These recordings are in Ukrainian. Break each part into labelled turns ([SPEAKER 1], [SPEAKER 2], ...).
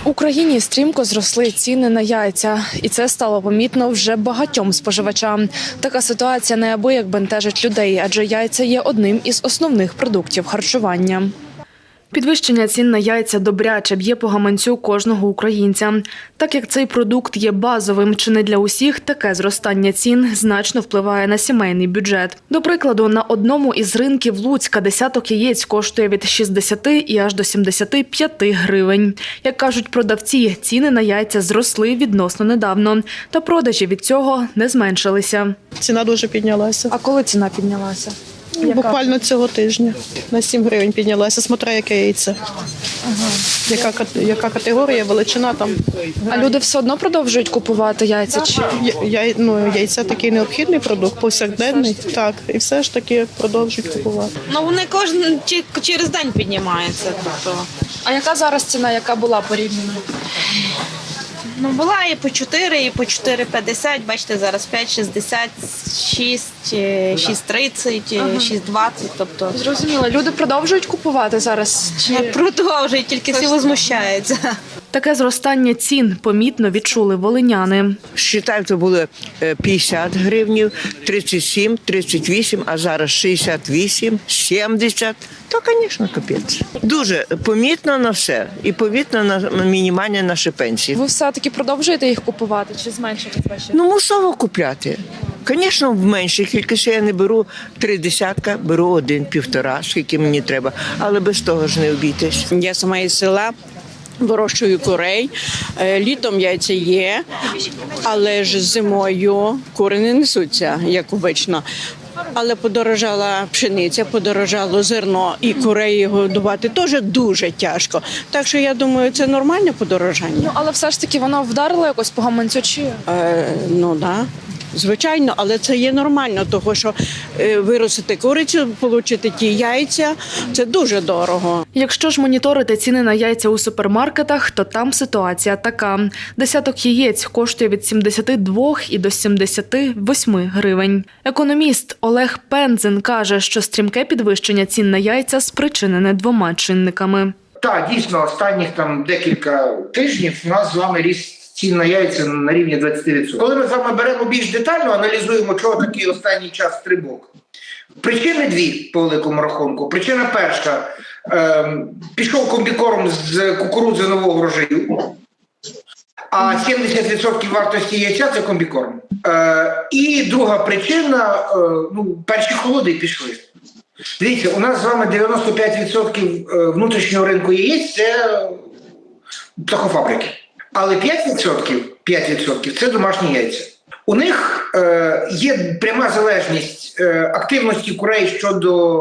[SPEAKER 1] В Україні стрімко зросли ціни на яйця, і це стало помітно вже багатьом споживачам. Така ситуація неабияк бентежить людей, адже яйця є одним із основних продуктів харчування. Підвищення цін на яйця добряче б'є по гаманцю кожного українця. Так як цей продукт є базовим чи не для усіх, таке зростання цін значно впливає на сімейний бюджет. До прикладу, на одному із ринків Луцька десяток яєць коштує від 60 і аж до 75 гривень. Як кажуть продавці, ціни на яйця зросли відносно недавно, та продажі від цього не зменшилися.
[SPEAKER 2] Ціна дуже піднялася.
[SPEAKER 1] А коли ціна піднялася?
[SPEAKER 2] Буквально цього тижня на 7 гривень піднялася, смотря яке яйце. Яка категорія, величина там.
[SPEAKER 1] А люди все одно продовжують купувати яйця? Чи?
[SPEAKER 2] Яйця такий необхідний продукт, повсякденний, так, і все ж таки продовжують купувати.
[SPEAKER 3] Ну вони через день піднімаються. Тобто.
[SPEAKER 1] А яка зараз ціна, яка була порівняно?
[SPEAKER 3] Ну була і по 4, і по 4,50, бачите, зараз 5,60, 6, 6,30, 6,20, тобто.
[SPEAKER 1] Зрозуміло. Люди продовжують купувати зараз?
[SPEAKER 3] Чи продовжують, тільки всі возмущаються.
[SPEAKER 1] Таке зростання цін помітно відчули волиняни.
[SPEAKER 4] Считаю, це було 50 гривнів, 37, 38, а зараз 68, 70. То, звісно, капець. Дуже помітно на все. І помітно на мінімальні наші пенсії.
[SPEAKER 1] Ви все-таки продовжуєте їх купувати чи зменшити ваші?
[SPEAKER 4] Ну, мусово купляти. Звісно, в меншій кількості я не беру 3 десятка, беру 1, 1,5, скільки мені треба. Але без того ж не обійтись.
[SPEAKER 5] Я сама із села. Вирощую курей, літом яйця є, але ж зимою кури не несуться, як обично. Але подорожала пшениця, подорожало зерно, і курей годувати теж дуже тяжко. Так що я думаю, це нормальне подорожання.
[SPEAKER 1] Ну, але все ж таки воно вдарило якось по гаманцю чи?
[SPEAKER 5] Ну, так. Да. Звичайно, але це є нормально, тому що виростити курицю, отримати ті яйця – це дуже дорого.
[SPEAKER 1] Якщо ж моніторити ціни на яйця у супермаркетах, то там ситуація така. Десяток яєць коштує від 72 і до 78 гривень. Економіст Олег Пензен каже, що стрімке підвищення цін на яйця спричинене 2 чинниками.
[SPEAKER 6] Так, дійсно, останніх декілька тижнів у нас з вами ріс цін на яйця на рівні 20%. Коли ми з вами беремо більш детально, аналізуємо, чого такий останній час стрибок. Причини 2 по великому рахунку. Причина перша – пішов комбікорм з кукурудзи нового врожаю, а 70% вартості яйця – це комбікорм. І друга причина – перші холоди пішли. Дивіться, у нас з вами 95% внутрішнього ринку яєць – це птахофабрики. Але 5% – це домашні яйця. У них є пряма залежність активності курей щодо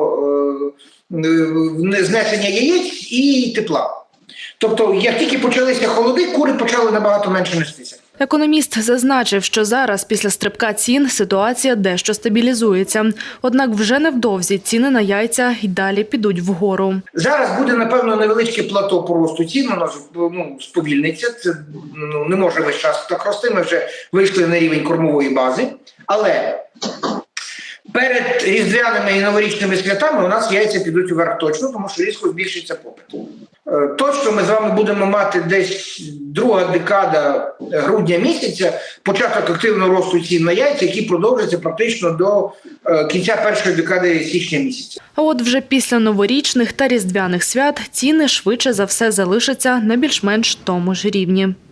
[SPEAKER 6] знесення яєць і тепла. Тобто, як тільки почалися холоди, кури почали набагато менше нестися.
[SPEAKER 1] Економіст зазначив, що зараз після стрибка цін ситуація дещо стабілізується. Однак вже невдовзі ціни на яйця й далі підуть вгору.
[SPEAKER 6] Зараз буде, напевно, невеличке плато по росту цін, воно сповільниться, це не може весь час так рости, ми вже вийшли на рівень кормової бази. Але перед різдвяними і новорічними святами у нас яйця підуть вверх точно, тому що різко збільшиться попит. Точно ми з вами будемо мати десь друга декада грудня місяця початок активного росту цін на яйця, який продовжиться практично до кінця першої декади січня місяця.
[SPEAKER 1] А от вже після новорічних та різдвяних свят ціни швидше за все залишаться на більш-менш тому ж рівні.